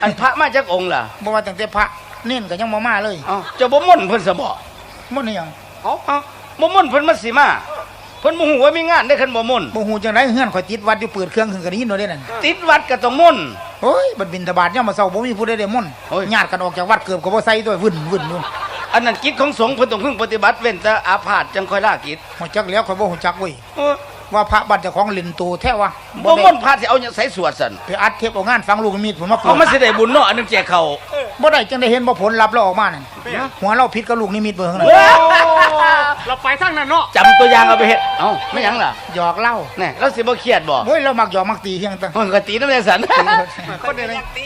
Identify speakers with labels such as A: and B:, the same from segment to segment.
A: อันพระมาจากองค์ล่ะ
B: บ่ว่าตั้งแต่พระเน้นก็ยังบ่มาเลย
A: จะบ่ม่นเพิ่นซะบ่
B: ม่นอีหยัง
A: บ่ม่นเพิ่นมาสิมาเพิ่นบ่ฮู้ว่ามีงานได้คันบ่ม่น
B: บ่ฮู้จังได๋เฮือนข่อยติดวัดอยู่เปิดเครื่องขึ้นก็ได้ยินโดดเด้นั่น
A: ติดวัดก็ต้องม่น
B: โอ้ยบัดบิณฑบาตยามมื้อเช้าบ่มีผู้ใดได้ม่นญาติกันออกจากวัดเกือบก็บ่ใส่ตัววุ่นอยู่
A: อันนั้นกิจของสงฆ์เพิ่นต้องพึงปฏิบัติเว้นแต่อาพาธจังค่อยลากิจ
B: ฮู้จักแล้วข่อยบ่ฮู้จักเว้ยว่าพระบัดเจ้าของเล่นโตแท้วะ
A: บ่ม่นพระสิเอาหยังใส่สวดซั่น
B: ไปอัดเทปเอางานฟังลูกมีดผมมา
A: เอามาสิได้บุญเนาะอันนึงแจกเขา
B: บ่ได้จังได้เห็นบ่ผลลัพธ์แล้วออกมานั่นหัวเราผิดกับลูกนิมิตเบิ่งนั่น
C: เราไปทางนั้นเนาะ
A: จำตัวอย่างเอาไปเฮ็ดไม่หยังล่ะ
B: หยอกเล่า
A: แน่เราสิบ่เครียดบ่
B: โอ้ยเรามักหยอกมักตีเฮียงตั้ง
A: ก็ตีนำแน่สัน
C: คนเดียวตี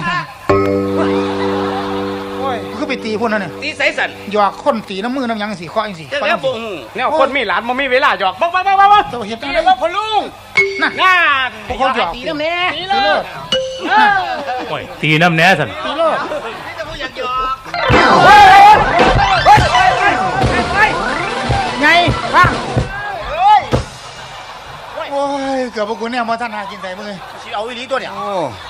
B: โอ้ยคือไปตีพุ่นนั่นน่ะ
A: ตีใส่สัน
B: หยอกคนตีน้ำมือน้ำหยังสิเคาะจังสิ
A: แล้วบ่ฮู้
C: แนวคนมีหลานบ่มีเวลาหยอกบ่
B: เจ้าเฮ็ดจัง
C: ได๋บ่พ่อลุง
B: นั่นพวกเขาหยอก
A: ตีน้ำแน่
C: ตีเลิศ
D: โอ้ยตีน้ำแน่สัน
B: ตีเลิศ
A: นี่จะบ่อยากหยอก
B: ไงฟังโอ้ยเกือบพวกกูเนี่ยบ่ทันหากินใส่มึงเลยสิเอาอีหลีตัวเนี่ย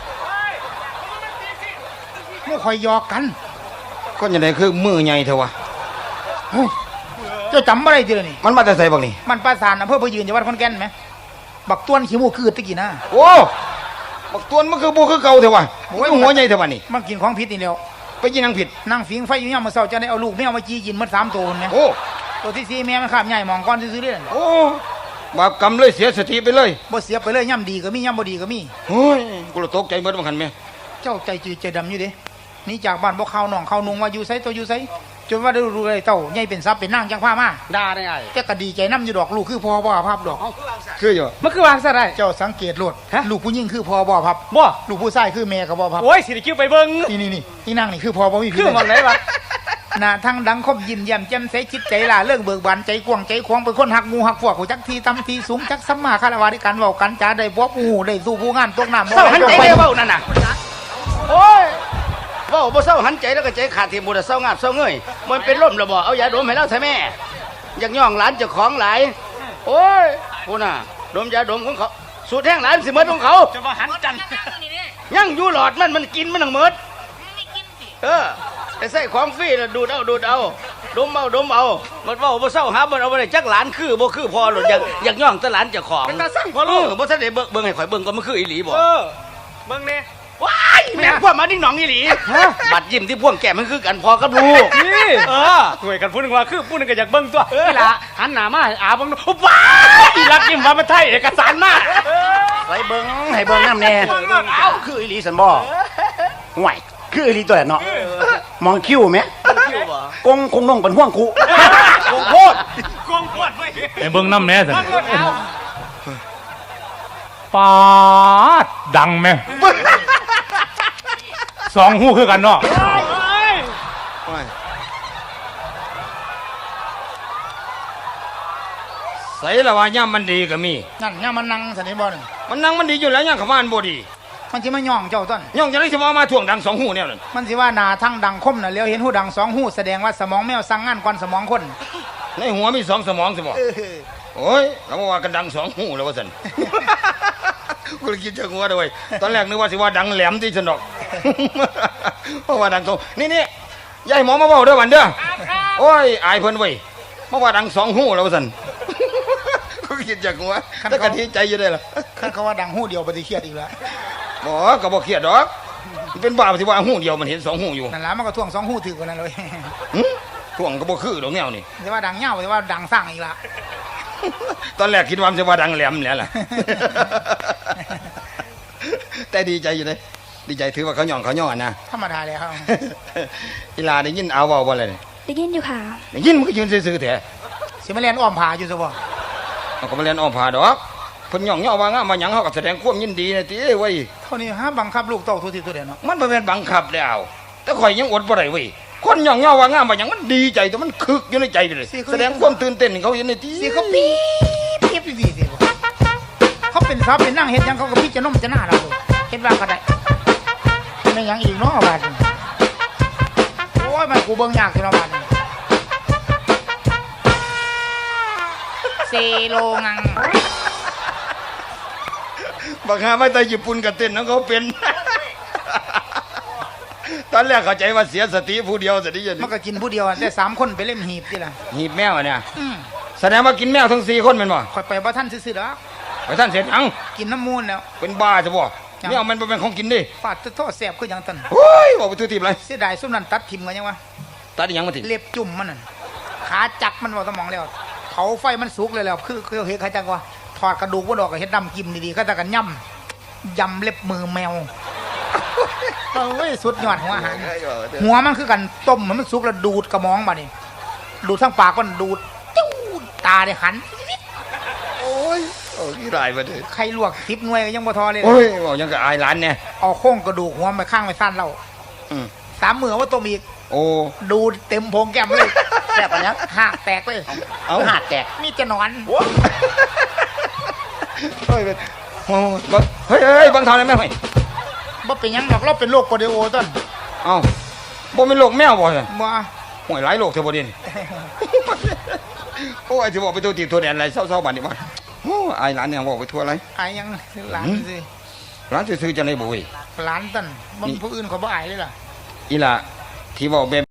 B: มู่คอยหยอกกัน
A: ก็ยังไงคือมือใหญ่เถอะวะ
B: เจ้าจำอะไรทีละนี่
A: มันมาแต่ใส่บักนี่
B: มันประสานอำเภอพยืนจังหวัดขอนแก่นไหมบักต้วนขี้มูกคือตะกี้นะ
A: โอ้บักต้วนมันคือบูคือเก่าเถอะวะหัวใหญ่เถอะวะนี่
B: มันกินของผิดนี่แล้ว
A: ไปกินนังผิด
B: นั่งฟิงไฟอยู่เนี่ยมาเศร้าจะได้เอาลูกแมวมาจี้กินมัน3 ตัวเนี่ยตัวที่4แม่มันข้ามใหญ่มองก้อนซื้อๆเด้
A: โอ้บาปกรรมเลยเสียสติไปเลย
B: บ่เสียไปเลยย่ำดีก็มีย่ำบ่ดีก็มี
A: โอ้ยกูละตกใจเบิดบ่คันแม่
B: เจ้าใจจืดใจดำอยู่เด้นี่จากบ้านบ่เข้าหนองเข้านุงว่าอยู่ไสตัวอยู่ไสจนว่าได้รู้เลยเต้าใหญ่เป็นทรัพย์เป็นนางจังพามา
C: ด่าได้ไง
B: แต่ก็ดีใจนำอยู่ดอกลูกคือพ่อบ่ภาพดอก
A: คืออยู่
C: มันคือวางซะได้
B: เจ้าสังเกตโลดลูกผู้หญิงคือพ่อบ่ภาพ
C: บ่
B: ลูกผู้ชายคือแม่ก็บ่ภาพ
C: โอ้ยสิได้คิวไปเบิ่ง
B: นี่ที่นั่งนี่คือพ่อบ่มี
C: คือมันไหนวะ
B: หน้าทั้งดังคมยิ้มแย้มแจ่มใสจิตใจล่าเรื่องเบิกบานใจกว้างใจขวางเป็นคนหักงูหักพวกหูจักทีตำทีสูงจักสัมมาคารวะในการเว้ากันจาได้บ่ผู้หูได้สู้ผู้งามตกน้ำ
A: เศร้าหันใจได้เว้านั่นน่ะโอ้ยเว้าบ่เศร้าหันใจแล้วก็ใจขาดที่บ่ได้เศร้างาบเศร้าเงยมันเป็นลมแล้วบ่เอายาดมให้เราใส่แม่อยากย่องหลานเจ้าของหลายโอ้ยพูน่ะดมยาดมของเขาสูตรแห้งหลานสิหมดของเขา
C: จะมาหันจัน
A: ยังอยู่หลอดมันกินมันทั้งหมดแต่ใส่ของฟรีแล้วดูดเอาดมเอามันว่าบ่เศร้าหามันเอาไปได้จักหลานคือบ่คือพอหรอกอยากย่องแต่หลานเจ้าของ
C: เป็นตาสั่งพอลูก
A: บ่ทันได้เบิ่งให้ข่อยเบิ่งก็มันคืออีหลีบ่
C: เบิ่งแน่
A: ว้ายแม่งพวกมาดิ้งหนองอีหลีบัดยิ้มที่พ่วงแก้มมันคือกันพอกับลูก
C: นี่ช่วยกันพูดนึงว่าคือพูดนึงก็อยากเบิ่งตัวนี่ล่ะหันหน้ามาให้อาเบิ่งว้ายอีรักยิ้มว่ามันไทยเอกสารมา
A: ไปเบิ่งให้เบิ่งน้ำแน่คืออีหลีสันบ่ห่วยคืออีหลีตัวเนาะมองคิ้วไหมกงคงน้องเป็นห่วงคูกงโคตร
D: ไอ้เบิ้งน้ำแน่สันปาดดังไหม2 หูคือกันเนาะ
A: ใส่ละว่าย่ำมันดีก็มี
B: นั่นย่ำมันนั่งสันนิบาต
A: มันนั่งมันดีอยู่แล้วย่ำขมานบ่ดี
B: มันสิมาย่องเจ้าต้น
A: ย่องจะได้สิมาถ่วงดัง2 หูเนี่ยนั่น
B: มันสิว่าหน้าทั้งดังคมน่ะเลี้ยวเห็นหูดัง2 หูแสดงว่าสมองแมวสั่งงานก่อนสมองคน
A: ในหัวมี2 สมองสิบ่โอ้ยเราว่ากันดัง2 หูแล้วว่าซั่นกูคิดจะหัวด้วยตอนแรกนึกว่าสิว่าดังแหลมที่ฉันดอกเพราะว่าดัง2นี่ยายหมอมาเว้าเด้อวันเด้อโอ้ยอายเพิ่นเว้ยมาว่าดัง2 หูแล้วว่าซั่นกูคิดจะหัวแต่ก็ดีใจอยู่ได้ล่ะ
B: คันเขาว่าดังหูเดียวบ่สิเครียดอีกแล้ว
A: บ่ก็บ่เครียดดอกเป็นบ้าสิว่าหูเดียวมันเห็น2 หูอยู่
B: นั่นล่ะมันก็ท่วง2 หูถือกว่านั้นเลย
A: ท่วงก็บ่คือดอกแนวนี่
B: สิว่าดังยาวสิว่าดังสร้างอีกล่ะ
A: ตอนแรกคิดว่ามันจะว่าดังแหลมแหละล่ะแต่ดีใจอยู่เลยดีใจถือว่าเขาย่องนะ
B: ธรรมดาเลยครับ
A: อีลาได้ยินเอาเว้าบ่เลย
E: ได้ยินอยู่ค่ะ
A: ได้ยินมันก็ยืนซื่อๆแท้
B: สิมาเรียนอ้อมผาอยู่ซะบ่
A: มันก็มาเรียนอ้อมผาดอกเพิ่นย่องว่างามมาหยังเฮาก็แสดงความยินดีนะติเว้ย
B: เท่านี้หาบังคับลูกเต้าทุกทีทุกเดือนเนาะ
A: มันบ่แม่นบังคับแล้วแต่ข่อยยังอดบ่ได้เว้ยคนย่องว่างามมาหยังมันดีใจแต่มันคึกอยู่ในใจเลยแสดงความตื่นเต้นเขาอยู่ในติ
B: สิเขาปี๊บสิเขาเป็นทรัพย์เป็นนั่งเฮ็ดหยังเขาก็พิจารณาจะหน้าเราเฮ็ดว่าก็ได้แม่นหยังอีกเนาะบาดโอ้ยมันกูเบิ่งยากสิเนาะบาดเซโลงัง
A: บักหามาแต่ญี่ปุ่นก็เต้นของเขาเป็นตอนแรกเข้าใจว่าเสียสติผู้เดียวสติอย่าง
B: มั
A: นี้
B: นก็กินผู้เดียวแต่3คนไปเล่นหีบที่ล่ะ
A: หีบแมวอะเนี่ย
B: อืม
A: แสดงว่ากินแมวทั้ง4คนแม่นบ่
B: ข่อยไปบ่ทันซื่อๆดอก
A: ไปท่านเสร็จยัง
B: กินน้ำมูลแล้ว
A: เป็นบ้าจะบ่
B: ยัง
A: แมวมันบ่เป็นของกินดิ
B: ฟาดโทษแสบคือหยังตัน
A: โอ้ยบอกไปทุทีบเลย
B: เสียดายซุมนั้นตัดทิ่มกันยังวะ
A: ตัดอีหยังมาติ
B: เล็บจุ่มมันนั่นขาจักมันบ่สมองแล้วเผาไฟมันสุกเลยแล้วคือเฮ็ดเขาจังว่าถอดกระดูกบ่ดอกก็เฮ็ดดำกิมดีๆก็จะกันยำเล็บมือแมวโอ้ยสุดยอดหัวอาหารหัวมันคือกันต้มมันสุกแล้วดูดกระมองบัดนี้ดูดทั้งปากมันดูดจิ้วตาได้หัน
A: โอ้ยโอ้ยรายมาเด้อ
B: ใครลวก10หน่วยก็ยังบ่ทอเลย
A: โอ้ยบอกยังกับอายหลานเนี่ย
B: เอาโค้งกระดูกหัวไปข้างไปสั้นเรา
A: อืม
B: 3 มื้อว่าต้มอีก
A: โอ้
B: ดูดเต็มโพงแก้มเลยแซ่บอันนี้หักแตกเลย
A: เอา
B: หักแตกมีจะนอน
A: เฮ้ยเป็นโอ้ยบังเฮ้ยเฮ้ยบังทอนอะไรแม่เฮ้ย
B: บ่เป็นหยังหรอกเราเป็นโรคโปลิโอต้น
A: เอ้าบ่เป็นโรคแมวบ่ซั่น
B: บ่
A: ห่วยหลายโรคเทอบ่ดิน โอ้ยสิบอกไปตัวตีตัวแดนอะไรเศร้าๆบัดนี้มาโอ้อายหลานเนี่ยบอกไปทั่วอะไร
B: อายยังหลานสิ
A: หลานซื่อๆจังได๋บ่เว้ย
B: หลานต้นบ่มีผู้อื่นเขาบ่อายเลยล่ะ
A: อีหล่ะที่เว้าแบบ